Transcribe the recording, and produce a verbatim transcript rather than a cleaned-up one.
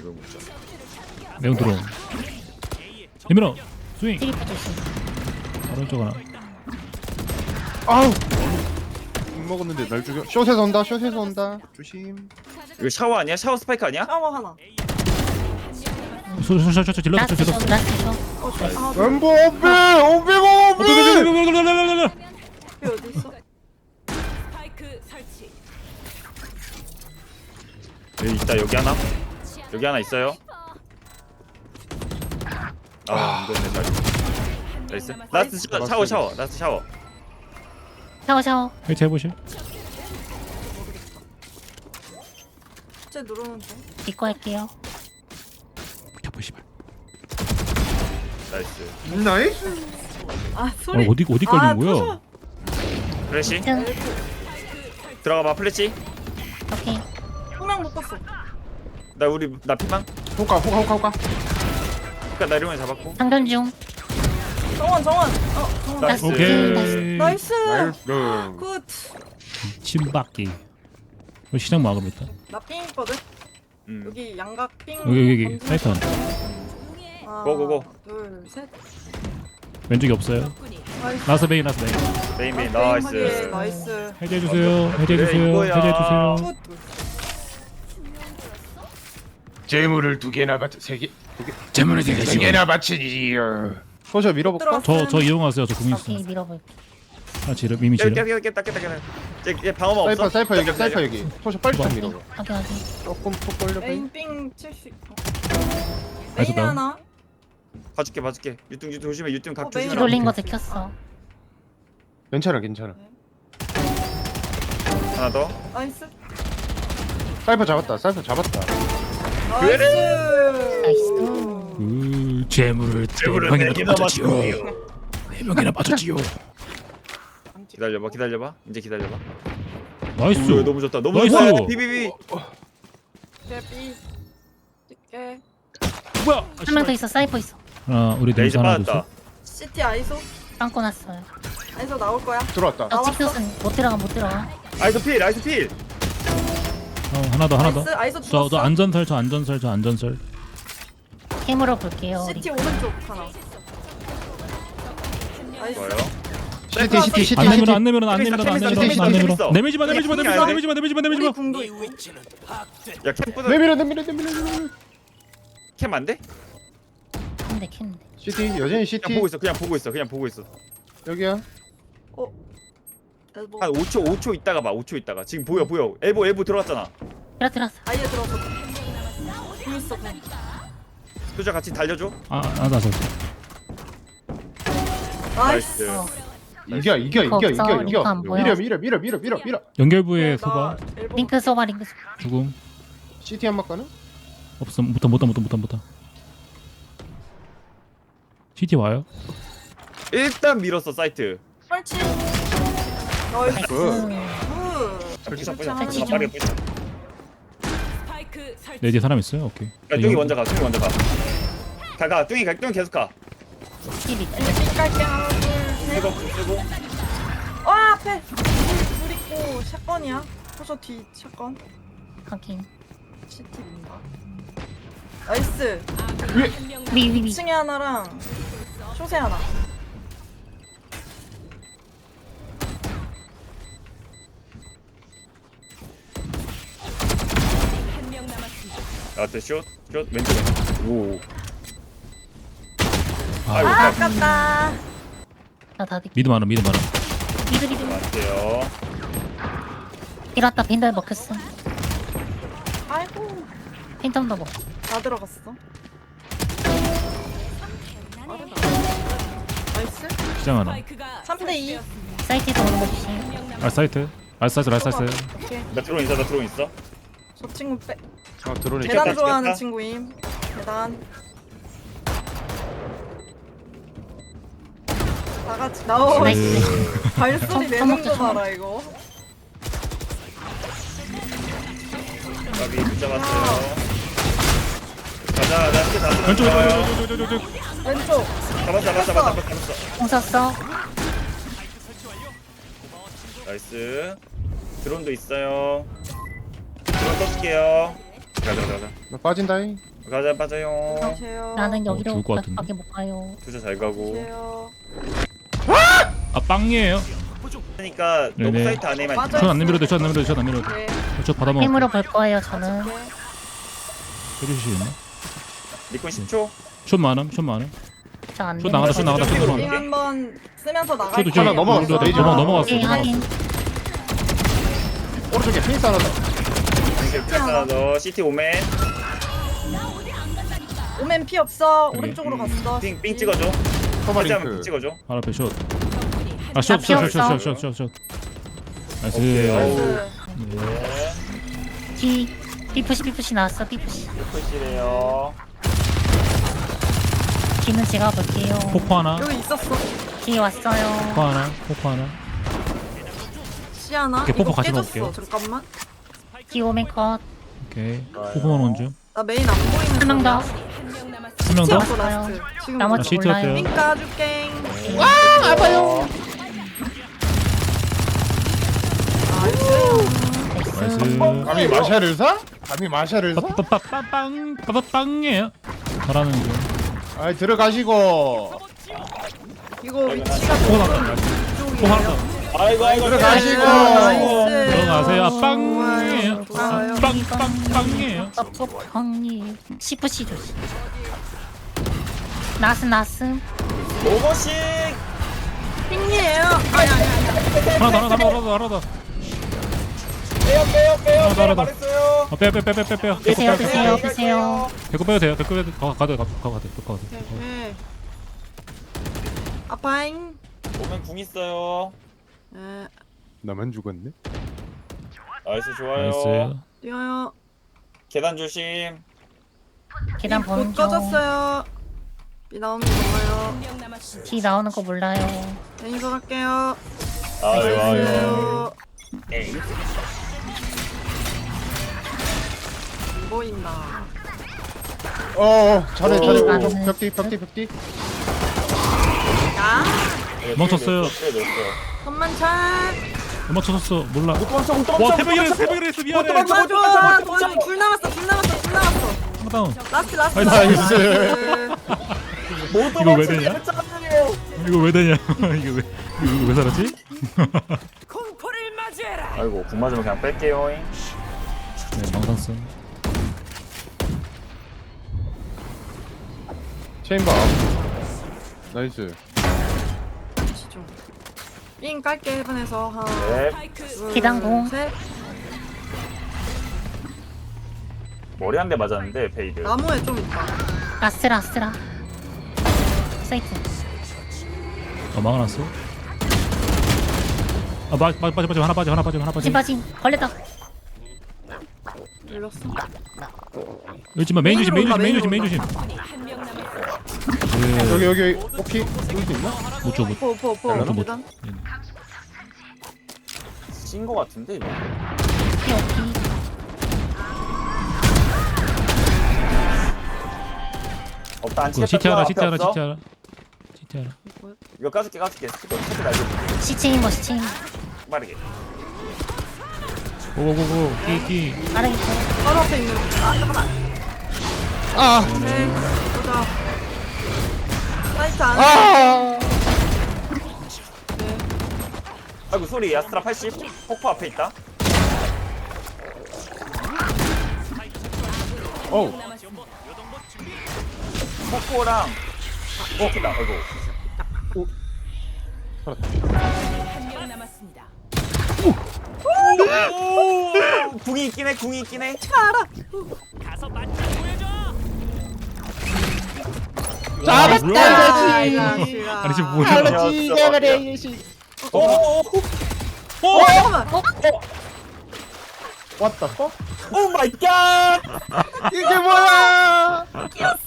이거 묻자. 매운 들어. 힘들어. 스윙. 트리플 조심. 오른쪽 하나. 아우 못 먹었는데 날 죽여. 숏에서 온다. 숏에서 온다. 조심. 이거 샤워 아니야? 샤워 스파이크 아니야? 샤워 하나. 소소소소 질렀어 라스트 질렀어. 쇼 라스트 쇼. 어, 아, 엠보 오비 오비 오비. 그 어디 있어? 스파이크 설치. 여기 있다. 여기 하나. 여기 하나 있어요. 아 이거네 잘. 나이스. 라스트 샤워 샤워 샤워. 라스트 샤워. 샤워 샤워. 해체 해보실. 쟤 누르는데. 이거 할게요. 켜보시발. 나이스. 나이스. 아 어, 소리. 어디 어디 아, 걸린 거야? 플래시. 등. 들어가봐 플래시. 오케이. 홍명 못 봤어. 나 우리 나 피망. 호카 호카 호카 호카. 그니까 나 이러면 잡았고. 상전 중. 정원 정원. 어 정원. 나이스. 오케이. 나이스. 나이스. 굿. 침박기. 이거 시장 막으겠다. 나삥 있거든. 음. 여기 양각 삥. 여기 여기 여기. 던지는 사이트 하나. 하나, 고고고. 둘 셋. 왼쪽에 없어요. 나이스. 라스 베이 라스 베이. 메인 메인 아, 나이스. 빙하게, 나이스. 해제해 주세요. 해제해 그래, 주세요. 이거야. 해제해 주세요. 굿. 재물을 두 개나 바쳐 세 개. 재물을 되게 세 개나 바치지요. 숏에 밀어볼까? 저저 이용하세요. 저 궁 오케이 있어. 밀어볼. 아 지름 이미 깼다 지름. 깼다 깼다 깼다 깼다. 얘 방어막 사이퍼 없어? 사이퍼 여기 깼다, 사이퍼 깼다. 여기. 숏에 빨리 좀 밀어. 확인 확인. 조금 톡 걸려. 메인 삥 칠십. 나이스 메인 다운. 하나. 봐줄게 봐줄게. 유통 유통 조심해. 유통 각 어, 메인 조심해. 뒤돌린 거 들켰어. 괜찮아 괜찮아. 하나 더. 나이스. 사이퍼 잡았다. 사이퍼 잡았다. 나이스. 나이스. 그 재물을 재물을 네 네 명이나 개나 빠졌지요. 네 명이나 빠졌지요. 기다려봐 기다려봐. 이제 기다려봐. 나이스. 오, 너무 좋다. 너무 나이스. 좋다. 비비비. 개비. 찍게. 뭐야? 한 명 더 있어. 사이퍼 있어. 아 우리 레이저 냄새 하나 줬어. 빠졌다. 시티 아이소. 빵꾸 났어요. 아이소 나올 거야. 들어왔다. 저 나왔어? 찍혔은 못 들어가 못 들어가. 아이스 필 아이스 필. 어 하나 더 하나 더. 나이스. 아이소 저 죽었어. 저 안전설 저 안전설 저 안전설. 캠으로 볼게요. 우리. 시티 오른쪽 하나. 나이스. 좋아요. 시티 시티 시티 안 시티. 내밀어 안 내밀어 안 재밌어, 내밀어 안 재밌어, 내밀어 재밌어, 안 재밌어. 내밀어. 내밀지 마 내밀지 마 내밀지 마 재밌어. 내밀지 마 내밀지 마 내밀지 우리 마. 궁도 있고. 야 캠프도 내밀어 내밀어 내밀어 내밀어. 캠 안 돼? 캔데 캔데. 시티 여전히 시티. 그냥 보고 있어. 그냥 보고 있어. 그냥 보고 있어. 여기야. 엘보. 한 오 초 오 초 있다가 봐. 오 초 있다가. 지금 보여 보여. 엘보 엘보 들어갔잖아. 들어 들어왔어. 아예 들어서. 궁 있어 궁. 소자 같이 달려줘. 아아 나서. 나이스. 나이스. 어. 이겨 이겨 이겨 없어, 이겨 링크 이겨. 안 보여. 밀어 밀어 밀어 밀어 밀어 밀어. 연결부에 소바 링크 소바 링크 소바. 죽음. 시티 한 바퀴는? 없어 못다 못다 못다 못다 못다. 시티 와요? 일단 밀었어 사이트. 설치. 나이스. 나이스. 굿. 설치 좀 설치 빠져. 좀. 빠르게 뿌려. 스파이크 설치. 내 뒤에 사람 있어요? 오케이. 야 뚱이 먼저 가. 뚱이 먼저 가. 가가 뚱이 가. 뚱이 계속 가. 힐 있다. 삥 깔게 하나 둘 셋. 쓰고 쓰고. 와 앞에. 불 있고 샷건이야. 포셔 뒤 샷건. 확인. 시티 민다. 나이스. 위 위 위. 이 층에 하나랑 쇼세 하나. 한명 남았습니다. 나한테 슛. 슛 왼쪽에. 오. 아, 아이고. 아 아깝다. 나다 득. 미드 많아 미드 많아. 미드 미드. 맞대요. 이렇다 빈달 먹혔어. 아이고. 핀텀도 먹. 다 들어갔어. 빠르다. 나이스. 시장 하나. 스파이크가 삼 대 이. 설치되었습니다. 사이트에서 오는 거 조심. 한명 남았. 알 사이트. 알 사이트 알 사이트. 오케이. 나 드론 있어. 나 드론 있어. 저 친구 빼. 아 드론이. 계단 찍혔다, 좋아하는 찍혔다. 친구임. 계단. 다 같이 나오. 나이스. 발소리 청- 내는 청먹자, 거 청먹. 봐라 이거. 가비 붙잡았어요. 가자. 나 이렇게 다 왼쪽 들어가요. 왼쪽 왼쪽 왼쪽 왼쪽. 왼쪽. 잡았어 잡았어 잡았어 잡았어. 공 썼어. 나이스. 드론도 있어요. 드론 떠줄게요. 가자 가자 가자. 나 빠진다잉. 가자 빠져요. 가세요. 나는 여기로 죽을 것 같은데? 밖에 못 가요. 투자 잘 가고. 가세요. 아 빵이에요. 그러니까 너무 네네. 사이트 안에만 맞아. 전 안 내밀어도 전 안 내밀어도 전 안 내밀어도. 네. 저 받아먹어. 힘으로 볼 거예요 저는. 네. 해주시겠네. 니콘 십 초. 숏 많음 숏 많음. 저안 숏 나가다 숏 나가다 숏 쇼 나가다. 링 한번 쓰면서 나갈 저도 거예요. 하나 넘어갔어. 레이저 넘어 넘어갔어. 네, 넘어갔어. 확인. 오른쪽에 피니스 하나 더. 이렇게 하나 더. 시티 오맨. 오멘 피 없어. 여기. 오른쪽으로 갔어. 핑, 핑 찍어줘. 커버링크. 핑 찍어줘. 바로 앞에 숏. 적군이 한 아 숏 숏 숏 없어. 숏 숏 숏. 오케이. 나이스. 나이스. 네. D B푸시 B푸시 나왔어 B푸시. 푸시래요. D는 제가 볼게요. 폭포 하나. 여기 있었어. D 왔어요. 폭포 하나. 폭포 하나. 시 하나. 오케이, 뽀뽀 이거 같이 깨졌어. 먹을게요. 잠깐만. D 오멘 컷. 오케이. 좋아요. 폭포만 온 중. 나 메인 안 보이는. 한 명 더. 한명 남았습니다. 한 명 시 더. 없어 라스트. 지금 나머지 아, 시트 몰라요. 어때요? 핑 까줄게. 와 아파요. 나이스. 감히 마샤를 사? 감히 마샤를 사? 빠빠빠빵 빠빠빵이에요. 잘하는 중. 아이 들어가시고. 이거 위치가 폭포 하나. 폭포 하나. 이쪽이에요. 아이고 아이고. 들어가시고. 나이스. 들어가세요. 아, 빵이에요. 좋아요. 아, 빵, 빵, 빵이에요. 떡볶이 C푸시 조심. 나스 나스. 오버씩. 핑이에요. 아니 아니 아니. 하나 더, 하나 더, 하나 더, 하나 더. 빼요 빼요 빼요. 하나 더, 하나 더. 말했어요. 어, 빼, 빼, 빼, 빼, 빼, 빼요. 드세요 드세요 드세요. 배꼽 빼도 돼요. 배꼽 빼도 가, 가도 돼, 가, 가, 가, 돼, 가, 가, 돼. 네. 아파잉. 오면 궁 있어요. 네. 나만 죽었네. 나이스 좋아요. 나이스. 뛰어요. 계단 조심. 계단 곧 보는 중. 꺼졌어요. 비 나오면 먹어요. 한명 남았습니다. D 나오는 거 몰라요. 매니저 갈게요. 아유 아유. 안녕하세요. 에이. 안 보인다. 어 잘해 잘해. 어, 어, 나는- 벽뒤 벽뒤 벽뒤. 야. 멈췄어요. 손만 차. 못 맞췄어. 몰라. 와 와, 대박이랬어, 대박이랬어. 미안해. 도와줘. 도와줘. 불 남았어. 불 남았어. 불 남았어. 하나 다운. 라스트 라스트. 나이스. 라스트. 이거 왜 되냐? 이거 왜 되냐? 이거 왜, 이거 왜 살았지? 공포를 맞이해라. 아이고 궁 맞으면 그냥 뺄게요. 네, 망상성. 체인바. 나이스. 삥 깔게 해븐에서 하나. 네. 스파이크 둘, 계단 공. 셋. 머리 한 대 맞았는데 베이드. 나무에 좀 있다. 라스 라스라. 사이트. 어, 막아놨어. 아, 빠, 빠, 빠져, 빠져, 하나 빠져, 하나 빠져, 하나 빠져. 빠진 빠진 걸렸다. 열렸어. 열지마, 메인 조심, 메인 조심, 메인 조심, 메인 조심. 적군이 한명 남았습니다. 네, 여기 여기 오키 여기 있나? 못 줘, 못. 포, 포, 포. 나도 못. 계단. 찐거 같은데 이거. 오케이 오케이. 없다 안 그 치겠다. 시티 하나, 앞에 시티 하나, 없어? 시티 하나. 시티 하나. 이거 까줄게 까줄게. 스피커 스피커 날려줄게. 시체인 뭐 시체인. 빠르게. 고고고고, 끼, 끼. 빠르게 쳐. 바로 앞에 있는. 아, 잠깐만. 아. 네. 보자. 사이트 안. 아. 네. 아이고 소리 야스트라 팔십. 폭포 앞에 있다. 어우. 폭포랑 오키다. 아이고. 한명 남았습니다. 오! 궁이 있긴 해. 궁이 있긴 해. 잡았다. 아, 이거지. 자식아. 아니, 지금 뭐야? 알았지. 내가 그래 이 씨. 오! 오! 어, 잠깐만. 왔다. 어? 오 마이 갓! 이게 뭐야? 끼었어.